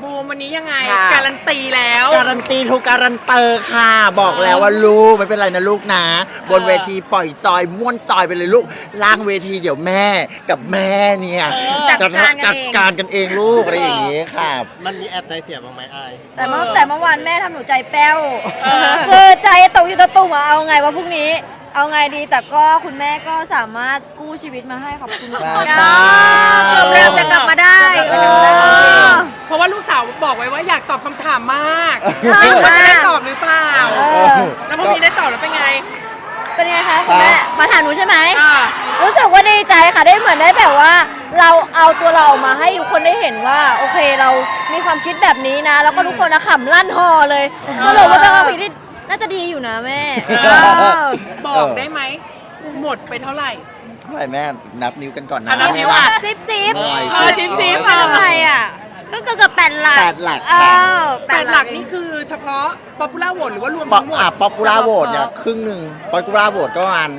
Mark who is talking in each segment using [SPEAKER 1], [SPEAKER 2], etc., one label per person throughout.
[SPEAKER 1] บูมวันนี้ยังไง
[SPEAKER 2] ค่ะ
[SPEAKER 1] การันตีแล้ว
[SPEAKER 2] การันตีทุกการันเตอร์ค่ะ บอกแล้วว่าลูกไม่เป็นไรนะลูกนะ บนเวทีปล่อยจอยม่วนจอยไปเลยลูกล่างเวทีเดี๋ยวแม่กับแม่เนี่ยจะจัดการกันเองลูกอะไรอย่างงี้ค่ะ
[SPEAKER 3] มันมีแอบใจเสียบ้างไหมอาย
[SPEAKER 4] แต่เมื่อวานแม่ทำหนูใจแป้วคือใจตกอยู่ตะตุ่มอะเอาไงวะพรุ่งนี้ เอาไงดีแต่ก็คุณแม่ก็สามารถกู้ชีวิตมาให้ขอบคุณ
[SPEAKER 2] ใช่
[SPEAKER 4] ค่ะ
[SPEAKER 2] ใช่
[SPEAKER 4] เริ่มจะกลับมาได้
[SPEAKER 1] เพราะว่าลูกสาวบอกไว้ว่าอยากตอบคำถามมาก
[SPEAKER 4] ใช่
[SPEAKER 1] ไม่รู้ว่าจะได้ตอบหรือเปล่า
[SPEAKER 4] อ
[SPEAKER 1] แล้วพอมีได้ตอบแล้วเป็นไง
[SPEAKER 4] เป็นไงคะคุณแม่มาถามหนูใช่ไหม
[SPEAKER 1] อ่า
[SPEAKER 4] รู้สึกว่าดีใจค่ะได้เหมือนได้แบบว่า เราเอาตัวเราออกมาให้ทุกคนได้เห็นว่าโอเคเรามีความคิดแบบนี้นะ แล้วก็ทุกคนนะขำลั่นฮอเลยสรุปว่าเป็นความคิดที่น่าจะดีอยู่นะแม่
[SPEAKER 1] บอกได้ไหมหมดไปเท่าไหร่
[SPEAKER 2] เท่าไหร่แม่นับนิ้วกันก่อนนะ
[SPEAKER 1] นับนิ้วอ่ะ
[SPEAKER 4] จิ๊บจิ๊บ
[SPEAKER 1] จิ๊บๆ
[SPEAKER 4] เท่าไหร่อ่ะก็เกือบ8 หลัก
[SPEAKER 2] 8 หลัก
[SPEAKER 4] เอ
[SPEAKER 2] ค่ะ
[SPEAKER 4] อ
[SPEAKER 1] แปดหลักนี่คือเฉพาะ popular vote หรือว่ารวม
[SPEAKER 2] ป๊อ
[SPEAKER 1] ทั้งหมด
[SPEAKER 2] ป๊อปปูล่าโหวตเนี่ยครึ่งหนึ่งป๊อปปูล่าโหวตก็ประมาณ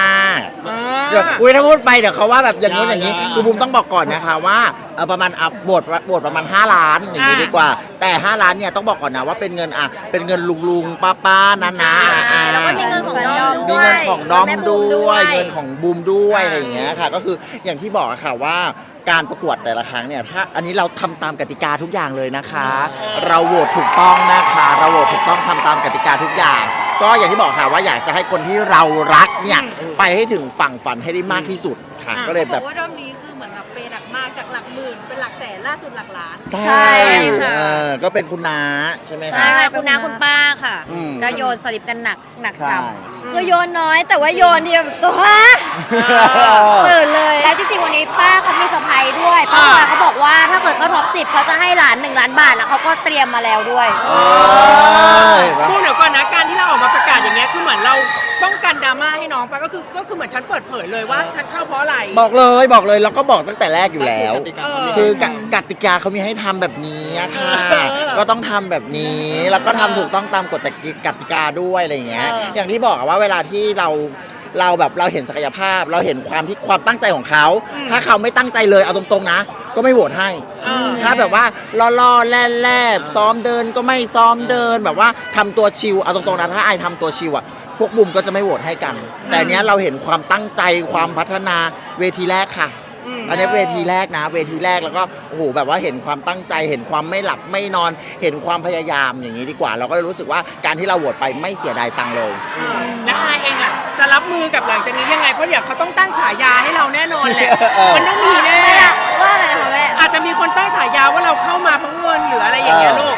[SPEAKER 2] 5
[SPEAKER 1] อ่า
[SPEAKER 2] เดี๋ยวอุ้ยถ้าพูดไปเดี๋ยวเขาว่าแบบอย่างนู้นอย่างนี้ คือบุมต้องบอกก่อนนะคะว่าประมาณโหวตประมาณ5 ล้านอย่างนี้ดีกว่า แต่ 5 ล้านเนี่ยต้องบอกก่อนนะว่าเป็นเงินเป็นเงินลุงป้าๆนะ
[SPEAKER 4] แล้วก็มีเงินของน้อง
[SPEAKER 2] มี
[SPEAKER 4] ด้วย
[SPEAKER 2] เงินของน้อง
[SPEAKER 4] แม่บูม
[SPEAKER 2] ด้วยเงินของบูมด้วยอะไรอย่างเงี้ยค่ะ ก็คืออย่างที่บอกอะค่ะว่าการประกวดแต่ละครั้งเนี่ยถ้าอันนี้เราทำตามกติกาทุกอย่างเลยนะคะ เราโหวตถูกต้องนะคะ เราโหวตถูกต้องทำตามกติกาทุกอย่าง ก็อย่างที่บอกค่ะว่าอยากจะให้คนที่เรารักเนี่ยไปให้ถึงฝั่งฝันให้ได้มากที่สุดค่ะ ก็เลยแบบ
[SPEAKER 5] ว่ารอบนี้คือเหมือนแบบเปย์หนักมากจากหลักหมื่นเป็นหลักแสนล่าสุดหลักล้าน
[SPEAKER 2] ใช่
[SPEAKER 4] ค่ะ
[SPEAKER 2] ก็เป็นคุณน้าใช่ไหม
[SPEAKER 4] ใช่
[SPEAKER 2] คะ
[SPEAKER 4] ค่ะคุณน้าคุณป้าค่ะ
[SPEAKER 2] อืม
[SPEAKER 4] ก็โยนสลิปกันหนัก
[SPEAKER 2] ใช่
[SPEAKER 4] ช้ำคือโยนน้อยแต่ว่าโยนเดียวตัวตื่นเลย แล้วจริงๆวันนี้ป้าเขามีเซอร์ไพรส์ด้วยป้าพลอยเขาบอกว่าถ้าเกิดเขาท็อป10เขาจะให้หลาน1 ล้านบาทแล้วเขาก็เตรียมมาแล้วด้วย
[SPEAKER 1] พูดเดี๋ยวก่อนนะการที่เราออกมาประกาศอย่างเงี้ยคือเหมือนเราป้องกันดราม่าให้น้องไปก็คือเหมือนฉันเปิดเผยเลยว่าฉันเข้าเพราะอะไร
[SPEAKER 2] บอกเลยแล้วก็บอกตั้งแต่แรกอยู่แล้ว
[SPEAKER 1] เออ
[SPEAKER 2] คือกติกาเขามีให้ทำแบบนี้อะค่ะ ก็ต้องทำแบบนี้ แล้วก็ทำถูกต้องตามกฎกติกาด้วยอะไรอย่างเงี้ย อย่างที่บอกอะว่าเวลาที่เราแบบเราเห็นศักยภาพ เราเห็นความตั้งใจของเขา ถ้าเขาไม่ตั้งใจเลยเอาตรงๆนะ ก็ไม่โหวตให้ ถ้าแบบว่าล่อๆแล่ๆซ้อมเดินก็ไม่ซ้อมเดินแบบว่าทำตัวชิลเอาตรงๆนะถ้าไอทำตัวชิลอะพวกบุมก็จะไม่โหวตให้กัน แต่เนี้ยเราเห็นความตั้งใจความพัฒนาเวทีแรกค่ะ อันนี้เวทีแรกนะเวทีแรกแล้วก็โอ้โหแบบว่าเห็นความตั้งใจเห็นความไม่หลับไม่นอน เห็นความพยายามอย่างนี้ดีกว่า เราก็เลยรู้สึกว่าการที่เราโหวตไปไม่เสียดายตังค์เลย
[SPEAKER 1] แล้วอายเองล่ะจะรับมือกับหลังจากนี้ยังไงเพราะเดี๋ยวเขาต้องตั้งฉายาให้เราแน่นอนแหละ มันต้องมีแน่
[SPEAKER 4] ว่าอะไรนะคะแม่
[SPEAKER 1] อาจจะมีคนตั้งฉายาว่าเราเข้ามาเพราะเงินหรืออะไรอย่างเงี้ยลูก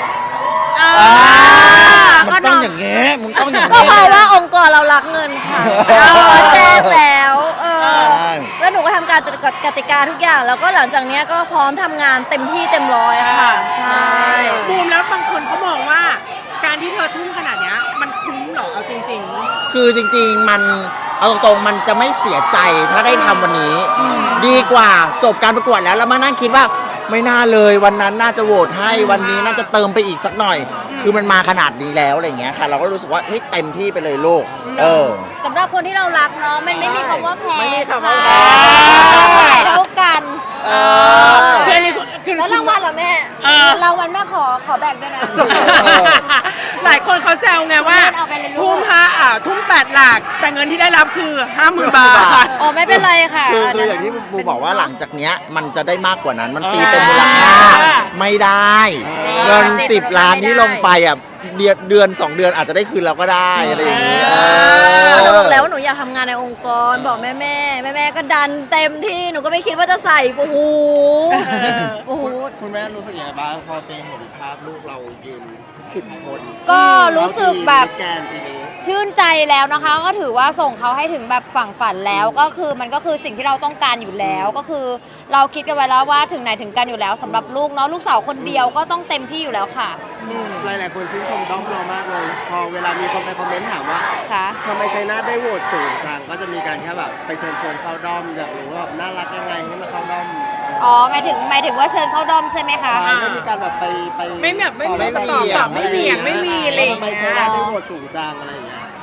[SPEAKER 2] มันต้องอย่างเงี้ยมึงต้องอย่าง
[SPEAKER 4] ก็
[SPEAKER 2] เงี้
[SPEAKER 4] เพ
[SPEAKER 2] ย
[SPEAKER 4] ราะว่าองค์กรเรารักเงินค่ะเราแจ้งแล้วแล้วหนูก็ทำการกติกาทุกอย่าง แล้วก็หลังจากเนี้ยก็พร้อมทำงานเต็มที่เต็มร้อยค่ะ ใช่
[SPEAKER 1] บูมแล้วบางคนเขามองว่า การที่เธอทุ่มขนาดเนี้ยมันคุ้มเหรอเอาจริง
[SPEAKER 2] คือจริงๆมันเอาตรงๆมันจะไม่เสียใจถ้าได้ทำวันนี้ ดีกว่าจบการประกวดแล้วมานั่งคิดว่าไม่น่าเลยวันนั้นน่าจะโหวตให้วันนี้น่าจะเติมไปอีกสักหน่อย คือมันมาขนาดนี้แล้วอะไรเงี้ยค่ะ เราก็รู้สึกว่าเฮ้ยเต็มที่ไปเลยลูก
[SPEAKER 4] สำหรับคนที่เรารักเนาะมันไม่มีคำว่าแพ้
[SPEAKER 2] ไม่มีคำ
[SPEAKER 4] ค่ะ
[SPEAKER 2] ว่าแพ้
[SPEAKER 4] เท่ากัน
[SPEAKER 1] ๆคืออันนี้คือ
[SPEAKER 4] แล้วรางวัลเหรอแม่รางวัลแม่ขอแบ่งด้วยนะ
[SPEAKER 1] หลายคนเขาแซวไงว่า
[SPEAKER 4] เอาไปเลยลูก
[SPEAKER 1] ทุ่ม8 หลัก แต่เงินที่ได้รับคือ 50,000 บาท
[SPEAKER 4] อ๋อไม่เป็นไรค่ะ
[SPEAKER 2] คืออย่างที่บูบอกว่าหลังจากเนี้ยมันจะได้มากกว่านั้นมันตีเป็นมูลค่าไม่ได้เงิน10 ล้านที่ลงไปอ่ะเดือน 2 เดือนอาจจะได้คืนเราก็ได้อะไรอย่างนี้
[SPEAKER 4] หนูบอกแล้วว่าหนูอยากทำงานในองค์กรบอกแม่ก็ดันเต็มที่หนูก็ไม่คิดว่าจะใส่โอ้โห
[SPEAKER 3] คุณแม่รู้สึกยังไงบ้างพอเห็นภาพลูกเรายืน10 คน
[SPEAKER 4] ก็รู้สึกแบบ
[SPEAKER 3] แกนปีนี้
[SPEAKER 4] ชื่นใจแล้วนะคะ ก็ถือว่าส่งเขาให้ถึงแบบฝั่งฝันแล้วก็คือมันก็คือสิ่งที่เราต้องการอยู่แล้วก็คือเราคิดกันไว้แล้วว่าถึงไหนถึงกันอยู่แล้วสำหรับลูกเนาะลูกสาวคนเดียวก็ต้องเต็มที่อยู่แล้วค่ะ
[SPEAKER 3] หลายๆคนชื่นชมด้อมเรามากเลย พอเวลามีคนไปคอมเมนต์ถามว่า
[SPEAKER 4] ค่ะ
[SPEAKER 3] ทำไมชัยนาทได้โหวตสูงจังก็จะมีการแค่แบบไปเชิญชวนเข้าด้อมอยากรู้ว่าแบบน่ารักยังไงให้มาเข้าด้อม
[SPEAKER 4] อ๋อหมายถึงว่าเชิญเข้าดอมใช่ไหมคะ
[SPEAKER 3] ไม่มีการแบบไป
[SPEAKER 1] ไม่แบบไม่มี
[SPEAKER 3] ต่อ
[SPEAKER 1] ไม่เหวี่ยงไม่มีอะไรอย่าง
[SPEAKER 3] ทำไม
[SPEAKER 1] เงี้
[SPEAKER 3] ชัยนาทได้
[SPEAKER 1] ย
[SPEAKER 3] โหวตสูงจังอะไรอย่างเงี้ย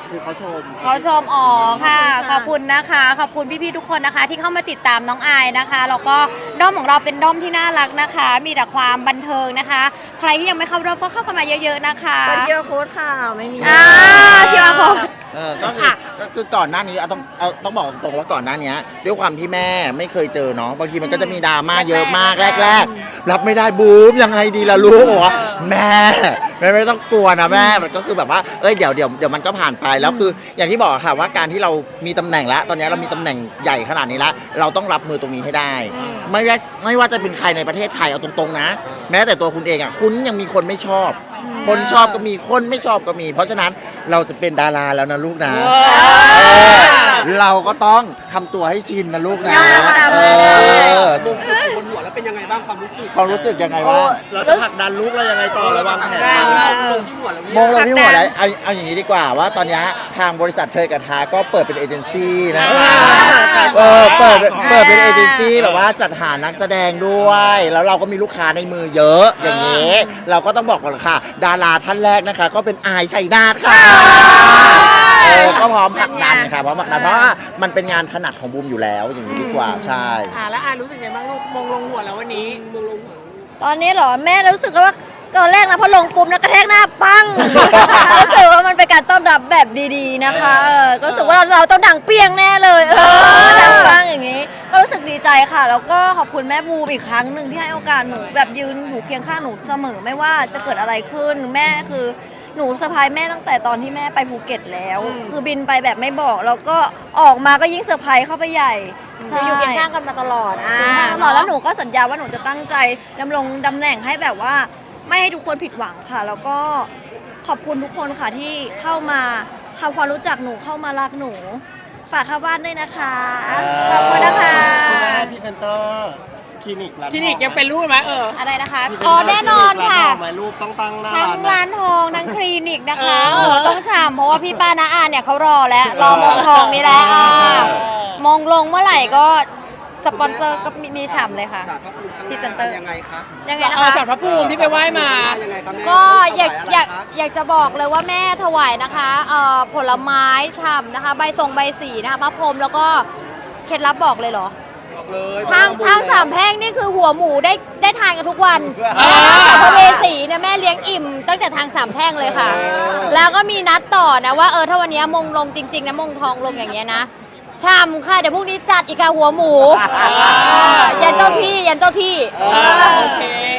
[SPEAKER 3] คือเขาชม
[SPEAKER 6] เขาชมอ๋อค่ะ ขอบคุณนะคะ ขอบคุณพี่ๆทุกคนนะคะ ที่เข้ามาติดตามน้องอายนะคะแล้วก็ด้อมของเราเป็นด้อมที่น่ารักนะคะ มีแต่ความบันเทิงนะคะ ใครที่ยังไม่เข้าด้อมก็เข้ากันมาเยอะๆนะคะ
[SPEAKER 4] เป็นเยอะโค้ดค่ะไม่มี
[SPEAKER 6] ที่ว่าเขา
[SPEAKER 2] ก็คือก่อนหน้านี้ต้องบอกตรงๆว่าก่อนหน้านี้ด้วยความที่แม่ไม่เคยเจอเนาะบางทีมันก็จะมีดราม่าเยอะมากแรกๆรับไม่ได้บูมยังไงดีล่ะลูกบอกว่าแม่ไม่ต้องกลัวนะแม่มันก็คือแบบว่าเดี๋ยวมันก็ผ่านไปแล้วคืออย่างที่บอกค่ะว่าการที่เรามีตำแหน่งแล้วตอนนี้เรามีตำแหน่งใหญ่ขนาดนี้แล้วเราต้องรับมือตรงนี้ให้ได้ ไม่ว่าจะเป็นใครในประเทศไทยเอาตรงๆนะแม้แต่ตัวคุณเองอ่ะคุณยังมีคนไม่ชอบ คนชอบก็มีคนไม่ชอบก็มี เพราะฉะนั้นเราจะเป็นดาราแล้วนะลูกนะเราก็ต้องทำตัวให้ชินนะลูกนะ
[SPEAKER 7] บุ้มอยู่บนหัวแล้วเป็นยังไงบ้างความรู้สึก
[SPEAKER 2] ความรู้สึกยังไงบ้าง
[SPEAKER 3] เราจะผลักดันลูกเรายังไงต่อระวังแผน
[SPEAKER 7] ลงที่หัวแล้ว
[SPEAKER 2] มองเราที่หัวแล้วเอาอย่างนี้ดีกว่าว่าตอนนี้ทางบริษัทเทยกับทาก็เปิดเป็นเอเจนซี่นะคะเปิดเป็นเอเจนซี่แบบว่าจัดหานักแสดงด้วย แล้วเราก็มีลูกค้าในมือเยอะอย่างนี้ เราก็ต้องบอกก่อนค่ะ ดาราท่านแรกนะคะ ก็เป็นอายชัยนาทค่ะก็พร้อมผลักดันค่ะพร้อมผลักดันเพราะว่ามันเป็นงานถนัดของบูมอยู่แล้วอย่างนี้ดีกว่าใช่
[SPEAKER 1] แล้วอารู้สึกไงบ้างลูกมงลงหัวแล้ววันนี้มงลงหัว
[SPEAKER 4] ตอนนี้เหรอแม่รู้สึกว่าตอนแรกนะพอลงปุ๊บนะกระแทกหน้าปัง รู้สึกว่ามันเป็นการต้อนรับแบบดีๆนะคะก็รู้สึกว่าเราต้องดังเปี้ยงแน่เลยดังปังอย่างนี้ ก็รู้สึกดีใจค่ะ แล้วก็ขอบคุณแม่บูมอีกครั้งหนึ่งที่ให้โอกาสหนูแบบยืนอยู่เคียงข้างหนูเสมอไม่ว่าจะเกิดอะไรขึ้นแม่คือหนูเซอร์ไพรส์แม่ตั้งแต่ตอนที่แม่ไปภูเก็ตแล้ว คือบินไปแบบไม่บอกแล้วก็ออกมาก็ยิ่งเซอร์ไพรส์เข้าไปใหญ่อยู่เคียงข้างกันมาตลอดตลอดแล้วหนูก็สัญญาว่าหนูจะตั้งใจดำรงตำแหน่งให้แบบว่าไม่ให้ทุกคนผิดหวังค่ะ แล้วก็ขอบคุณทุกคนค่ะที่เข้ามาทำความรู้จักหนูเข้ามารักหนูฝากเข้าบ้านด้วยนะคะขอบคุณนะคะ
[SPEAKER 3] คุณแม่พรีเซนเตอร์คลินิกร้าน
[SPEAKER 1] คลินิกยังเป็นรูปไหม
[SPEAKER 6] อะไรนะคะ
[SPEAKER 3] พรีเซเต
[SPEAKER 6] อ๋
[SPEAKER 3] อ
[SPEAKER 6] อ
[SPEAKER 3] ร์
[SPEAKER 6] แน่นอนค่ะ
[SPEAKER 3] หมายรูปต้องตั้งหน้า
[SPEAKER 6] ทั้ง
[SPEAKER 3] ร้าน
[SPEAKER 6] ร้านทองทั้งคลินิกนะคะต้องฉ่ำเพราะว่าพี่ป้าน้าอาเนี่ยเขารอแล้วรอมงทองนี่แหละมงลงเมื่อไหร่ก็สปอนเซอร์ก็มีฉ่ำเลยค่ะ
[SPEAKER 7] สารพระภูมิข้างห
[SPEAKER 6] พรีเซนเตอ
[SPEAKER 7] น้า
[SPEAKER 6] ร์
[SPEAKER 7] ยังไงครับ
[SPEAKER 6] ยังไงนะคะ
[SPEAKER 1] สารพระภูมิที่ไปไหว้มา
[SPEAKER 7] ยังไงครับแม่
[SPEAKER 6] ก็อยาก
[SPEAKER 7] ถวะไร
[SPEAKER 6] อยาก
[SPEAKER 7] ครับ
[SPEAKER 6] อยากจะบอกเลยว่าแม่ถวายนะคะผลไม้ฉ่ำนะคะใบทรงใบสีนะคะพระพรหมแล้วก็เคล็ดลับบอกเลยเหรอ
[SPEAKER 7] บอกเลย
[SPEAKER 6] ทางสามแพร่งนี่คือหัวหมูได้ทานกันทุกวันสัมภเวสีเนี่ยแม่เลี้ยงอิ่มตั้งแต่ทางสามแพร่งเลยค่ะ แล้วก็มีนัดต่อนะว่าถ้าวันนี้มงลงจริงๆนะมงทองลงอย่างเงี้ยนะชามค่ะเดี๋ยวพรุ่งนี้จัดอีกค่ะหัวหมูยันเจ้าที่ยันเจ้าที่
[SPEAKER 1] โอเค